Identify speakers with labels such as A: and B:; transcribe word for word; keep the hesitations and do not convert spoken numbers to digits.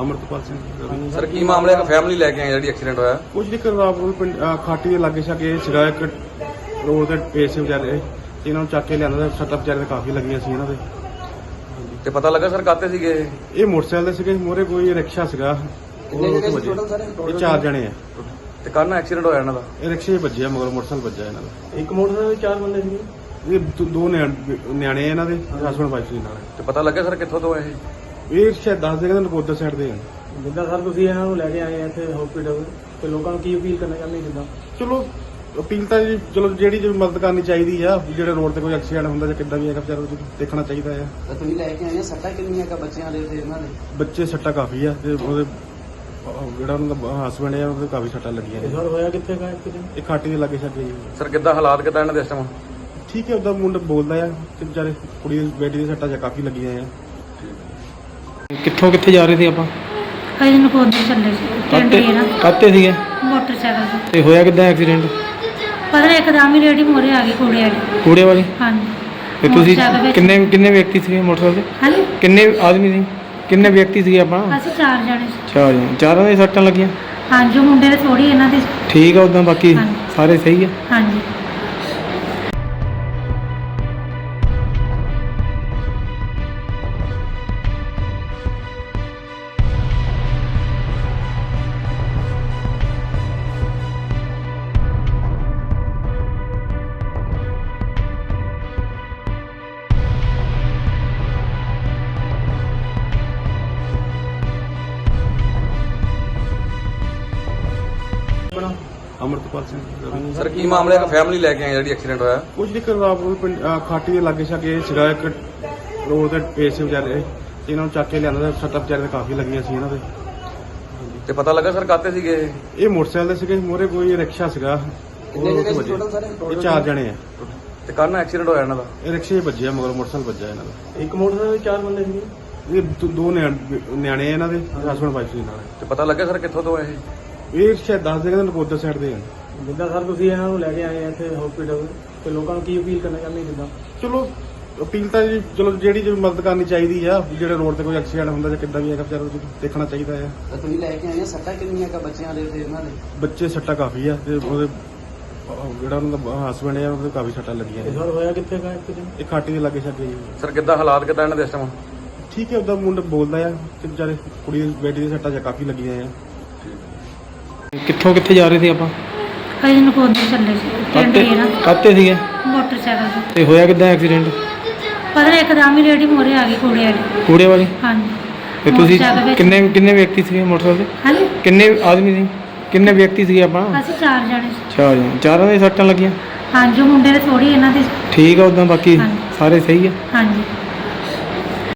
A: Amritpal Singh
B: sir ਕੀ ਮਾਮਲਾ ਹੈ? Family ਲੈ ਕੇ ਆਏ ਜਿਹੜੀ ਐਕਸੀਡੈਂਟ ਹੋਇਆ?
A: ਕੁਝ ਨਹੀਂ ਕਰਵਾਪੁਰ ਪਿੰਡ ਅਹ ਖਾਟੀ ਦੇ ਲਾਗੇ ਛਾਗੇ ਸੀਗਾ ਇੱਕ ਰੋਡ ਤੇ ਪੇਸ ਵਿਚਾਰੇ ਇਹਨਾਂ ਨੂੰ ਚੱਕ ਕੇ ਲਿਆਂਦਾ ਸੱਟਾਂ ਵਿਚਾਰੇ ਦੇ ਕਾਫੀ ਲੱਗੀਆਂ ਸੀ ਇਹਨਾਂ ਦੇ।
B: ਤੇ ਪਤਾ ਲੱਗਾ ਸਰ ਕਾਤੇ ਸੀਗੇ?
A: ਇਹ ਮੋਟਰਸਾਈਕਲ ਦੇ ਸੀਗੇ, ਮੋਰੇ ਕੋਈ ਰਿਕਸ਼ਾ ਸੀਗਾ ਉਹ ਉੱਥੇ ਵੱਜੇ। ਇਹ ਚਾਰ ਜਣੇ ਆ
B: ਤੇ ਕੱਲ ਐਕਸੀਡੈਂਟ ਹੋਇਆ ਇਹਨਾਂ ਦਾ?
A: ਇਹ ਰਿਕਸ਼ੇ 'ਚ ਵੱਜਿਆ, ਮਗਰ ਮੋਟਰਸਾਈਕਲ ਵੱਜਾ ਇਹਨਾਂ ਦਾ।
C: ਇੱਕ ਮੋਟਰਸਾਈਕਲ ਚਾਰ ਬੰਦੇ ਸੀਗੇ।
A: ਇਹ ਦੋ- ਦੋ ਨਿਆਣੇ ਨਿਆਣੇ ਆ ਇਹਨਾਂ ਦੇ, ਹਸਬੈਂਡ ਵਾਈਫ ਸੀ ਨਾਲ।
B: ਤੇ ਪਤਾ ਲੱਗਾ ਸਰ ਕਿੱਥੋਂ ਤੋਂ ਇਹ?
A: ਇਹ ਸ਼ਾਇਦ ਦੱਸ ਦੇਗਾ ਨਕੋਦਰ ਸਾਈਡ ਦੇ ਆ।
C: ਜਿੱਦਾਂ ਸਰ ਤੁਸੀਂ ਇਹਨਾਂ ਨੂੰ ਲੈ ਕੇ ਆਏ ਆ ਇੱਥੇ ਹਸਪੀਟਲ, ਤੇ ਲੋਕਾਂ ਨੂੰ ਕੀ ਅਪੀਲ ਕਰਨਾ ਚਾਹੁੰਦੇ ਜਿੱਦਾਂ?
A: ਚਲੋ ਅਪੀਲ ਤਾਂ ਜੀ ਚਲੋ ਜਿਹੜੀ ਜਿਹੜੀ ਮਦਦ ਕਰਨੀ ਚਾਹੀਦੀ ਆ, ਜਿਹੜੇ ਰੋਡ ਤੇ ਕੋਈ ਐਕਸੀਡੈਂਟ ਹੁੰਦਾ ਜਾਂ ਕਿੱਦਾਂ ਵੀ ਹੈਗਾ ਵਿਚਾਰਾ ਉਹ ਦੇਖਣਾ ਚਾਹੀਦਾ ਆ।
D: ਤਾਂ ਤੁਸੀਂ ਲੈ ਕੇ ਆਏ ਆ, ਸੱਟਾਂ ਕਿੰਨੀਆਂ ਕਾ ਬੱਚਿਆਂ ਦੇ ਤੇ ਇਹਨਾਂ ਦੇ?
A: ਬੱਚੇ ਸੱਟਾਂ ਕਾਫੀ ਆ ਤੇ ਉਹਦੇ ਅਹ ਜਿਹੜਾ ਉਹਨਾਂ ਦਾ ਹਸਬੈਂਡ ਆ ਉਹਦੇ ਕਾਫੀ ਸੱਟਾਂ ਲੱਗੀਆਂ
C: ਇਹ
A: ਨੇ।
C: ਸਰ ਹੋਇਆ ਕਿੱਥੇ ਗਾ ਐਕਸੀਡੈਂਟ?
A: ਇਹ ਖਾਟੀ ਦੇ ਲਾਗੇ ਛਾਗੇ ਜੀ।
B: ਸਰ ਕਿੱਦਾਂ ਹਾਲਾਤ ਕਿੱਦਾਂ ਇਹਨਾਂ ਦੇ ਇਸ ਟਾਈਮ?
A: ਠੀਕ ਹੈ, ਉਹਦਾ ਮੁੰਡਾ ਬੋਲਦਾ ਆ ਤੇ ਵਿਚਾਰੇ ਕੁੜੀ ਦੀ ਬੇਟੀ ਦੀ ਸੱਟਾਂ ਜਾਂ ਕਾਫੀ ਲੱਗੀਆਂ ਆ।
C: ਕਿੱਥੋਂ ਕਿੱਥੇ ਜਾ ਰਹੇ ਸੀ ਆਪਾਂ?
E: ਅਸੀਂ ਨਕੋਦਰ ਚੱਲੇ ਸੀ ਪਿੰਡ ਹੀ ਨਾ
C: ਕਾਤੇ ਸੀਗੇ?
E: ਮੋਟਰਸਾਈਕਲ ਤੇ।
C: ਤੇ ਹੋਇਆ ਕਿੱਦਾਂ ਐਕਸੀਡੈਂਟ?
E: ਪਤਾ ਨਹੀਂ ਇੱਕਦਮ ਹੀ ਰੇੜੀ ਮੋਰੇ ਆ ਗਈ ਕੂੜੇ ਵਾਲੀ।
C: ਕੂੜੇ ਵਾਲੀ?
E: ਹਾਂਜੀ।
C: ਤੇ ਤੁਸੀਂ
E: ਮੋਟਰਸਾਈਕਲ ਵਿੱਚ-
C: ਕਿੰਨੇ ਕਿੰਨੇ ਵਿਅਕਤੀ ਸੀਗੇ ਮੋਟਰਸਾਈਕਲ ਤੇ?
E: ਹਾਂਜੀ,
C: ਕਿੰਨੇ ਆਦਮੀ ਸੀ? ਕਿੰਨੇ ਵਿਅਕਤੀ ਸੀਗੇ ਆਪਾਂ?
E: ਅਸੀਂ ਚਾਰ ਜਣੇ ਸੀ।
C: ਚਾਰ ਜਣੇ। ਚਾਰਾਂ ਦੇ ਸੱਟਾਂ ਲੱਗੀਆਂ?
E: ਹਾਂਜੀ, ਉਹ ਮੁੰਡੇ ਦੇ ਥੋੜੀ ਇਹਨਾਂ ਦੇ।
C: ਠੀਕ ਆ, ਉਦਾਂ ਬਾਕੀ
E: ਹਾਂਜੀ।
C: ਸਾਰੇ ਸਹੀ ਆ?
E: ਹਾਂਜੀ।
A: ਅਮਰਤਪਾਲ ਸਿੰਘ
B: ਸਰ ਕੀ ਮਾਮਲਾ ਹੈ? ਫੈਮਿਲੀ ਲੈ ਕੇ ਆਏ ਜਿਹੜੀ ਐਕਸੀਡੈਂਟ ਹੋਇਆ?
A: ਕੁਝ ਨਹੀਂ ਕਰਵਾਪੁਰ ਪਿੰਡ ਅਹ ਖਾਟੀ ਦੇ ਲਾਗੇ ਛਾਗੇ ਸੀਗਾ ਇੱਕ ਰੋਡ ਤੇ ਪੇਸ ਵਿਚਾਰੇ ਇਹਨਾਂ ਨੂੰ ਚੱਕ ਕੇ ਲਿਆਂਦਾ ਸੱਟਾਂ ਵਿਚਾਰੇ ਦੇ ਕਾਫੀ ਲੱਗੀਆਂ ਸੀ ਇਹਨਾਂ ਦੇ।
B: ਤੇ ਪਤਾ ਲੱਗਾ ਸਰ ਕਾਤੇ ਸੀਗੇ?
A: ਇਹ ਮੋਟਰਸਾਈਕਲ ਦੇ ਸੀਗੇ, ਮੋਰੇ ਕੋਈ ਰਿਕਸ਼ਾ ਸੀਗਾ ਉਹ ਉੱਥੇ ਵੱਜੇ। ਇਹ ਚਾਰ ਜਣੇ ਆ
B: ਤੇ ਕੱਲ ਐਕਸੀਡੈਂਟ ਹੋਇਆ ਇਹਨਾਂ ਦਾ?
A: ਇਹ ਰਿਕਸ਼ੇ 'ਚ ਵੱਜਿਆ, ਮਗਰ ਮੋਟਰਸਾਈਕਲ ਵੱਜਾ ਇਹਨਾਂ ਦਾ।
C: ਇੱਕ ਮੋਟਰਸਾਈਕਲ ਚਾਰ ਬੰਦੇ ਸੀਗੇ।
A: ਇਹ ਦੋ- ਦੋ ਨਿਆਣੇ ਨਿਆਣੇ ਆ ਇਹਨਾਂ ਦੇ, ਹਸਬੈਂਡ ਵਾਈਫ ਸੀ ਨਾਲ।
B: ਤੇ ਪਤਾ ਲੱਗਾ ਸਰ ਕਿੱਥੋਂ ਤੋਂ ਇਹ?
A: ਇਹ ਸ਼ਾਇਦ ਦੱਸ ਦੇਗਾ ਨਕੋਦਰ ਸਾਈਡ ਦੇ ਆ।
C: ਜਿੱਦਾਂ ਸਰ ਤੁਸੀਂ ਇਹਨਾਂ ਨੂੰ ਲੈ ਕੇ ਆਏ ਆ ਇੱਥੇ ਹਸਪੀਟਲ, ਤੇ ਲੋਕਾਂ ਨੂੰ ਕੀ ਅਪੀਲ ਕਰਨਾ ਚਾਹੁੰਦੇ ਜਿੱਦਾਂ?
A: ਚਲੋ ਅਪੀਲ ਤਾਂ ਜੀ ਚਲੋ ਜਿਹੜੀ ਜਿਹੜੀ ਮਦਦ ਕਰਨੀ ਚਾਹੀਦੀ ਆ, ਜਿਹੜੇ ਰੋਡ ਤੇ ਕੋਈ ਐਕਸੀਡੈਂਟ ਹੁੰਦਾ ਜਾਂ ਕਿੱਦਾਂ ਵੀ ਹੈਗਾ ਵਿਚਾਰਾ ਉਹ ਦੇਖਣਾ ਚਾਹੀਦਾ ਆ।
D: ਤਾਂ ਤੁਸੀਂ ਲੈ ਕੇ ਆਏ ਆ, ਸੱਟਾਂ ਕਿੰਨੀਆਂ ਕਾ ਬੱਚਿਆਂ ਦੇ ਤੇ ਇਹਨਾਂ ਦੇ?
A: ਬੱਚੇ ਸੱਟਾਂ ਕਾਫੀ ਆ ਤੇ ਉਹਦੇ ਅਹ ਜਿਹੜਾ ਉਹਨਾਂ ਦਾ ਹਸਬੈਂਡ ਆ ਉਹਦੇ ਕਾਫੀ ਸੱਟਾਂ ਲੱਗੀਆਂ
C: ਇਹ
A: ਨੇ।
C: ਸਰ ਹੋਇਆ ਕਿੱਥੇ ਗਾ ਐਕਸੀਡੈਂਟ?
A: ਇਹ ਖਾਟੀ ਦੇ ਲਾਗੇ ਛਾਗੇ ਜੀ।
B: ਸਰ ਕਿੱਦਾਂ ਹਾਲਾਤ ਕਿੱਦਾਂ ਇਹਨਾਂ ਦੇ ਇਸ ਟਾਈਮ?
A: ਠੀਕ ਹੈ, ਉਹਦਾ ਮੁੰਡਾ ਬੋਲਦਾ ਆ ਤੇ ਵਿਚਾਰੇ ਕੁੜੀ ਦੀ ਬੇਟੀ ਦੀ ਸੱਟਾਂ ਜਾਂ ਕਾਫੀ ਲੱਗੀਆਂ ਆ।
C: ਕਿੱਥੋਂ ਕਿੱਥੇ ਜਾ ਰਹੇ ਸੀ ਆਪਾਂ?
E: ਅਸੀਂ ਨਕੋਦਰ ਚੱਲੇ ਸੀ ਪਿੰਡ ਹੀ ਨਾ
C: ਕਾਤੇ ਸੀਗੇ?
E: ਮੋਟਰਸਾਈਕਲ ਤੇ।
C: ਤੇ ਹੋਇਆ ਕਿੱਦਾਂ ਐਕਸੀਡੈਂਟ?
E: ਪਤਾ ਨਹੀਂ ਇੱਕਦਮ ਹੀ ਰੇੜੀ ਮੋਰੇ ਆ ਗਈ ਕੂੜੇ ਵਾਲੀ।
C: ਕੂੜੇ ਵਾਲੀ?
E: ਹਾਂਜੀ।
C: ਤੇ ਤੁਸੀਂ
E: ਮੋਟਰਸਾਈਕਲ ਵਿੱਚ-
C: ਕਿੰਨੇ ਕਿੰਨੇ ਵਿਅਕਤੀ ਸੀਗੇ ਮੋਟਰਸਾਈਕਲ ਤੇ?
E: ਹਾਂਜੀ,
C: ਕਿੰਨੇ ਆਦਮੀ ਸੀ? ਕਿੰਨੇ ਵਿਅਕਤੀ ਸੀਗੇ ਆਪਾਂ?
E: ਅਸੀਂ ਚਾਰ ਜਣੇ ਸੀ।
C: ਚਾਰ ਜਣੇ। ਚਾਰਾਂ ਦੇ ਸੱਟਾਂ ਲੱਗੀਆਂ?
E: ਹਾਂਜੀ, ਉਹ ਮੁੰਡੇ ਦੇ ਥੋੜੀ ਇਹਨਾਂ ਦੇ।
C: ਠੀਕ ਆ, ਉਦਾਂ ਬਾਕੀ
E: ਹਾਂਜੀ।
C: ਸਾਰੇ ਸਹੀ ਆ?
E: ਹਾਂਜੀ।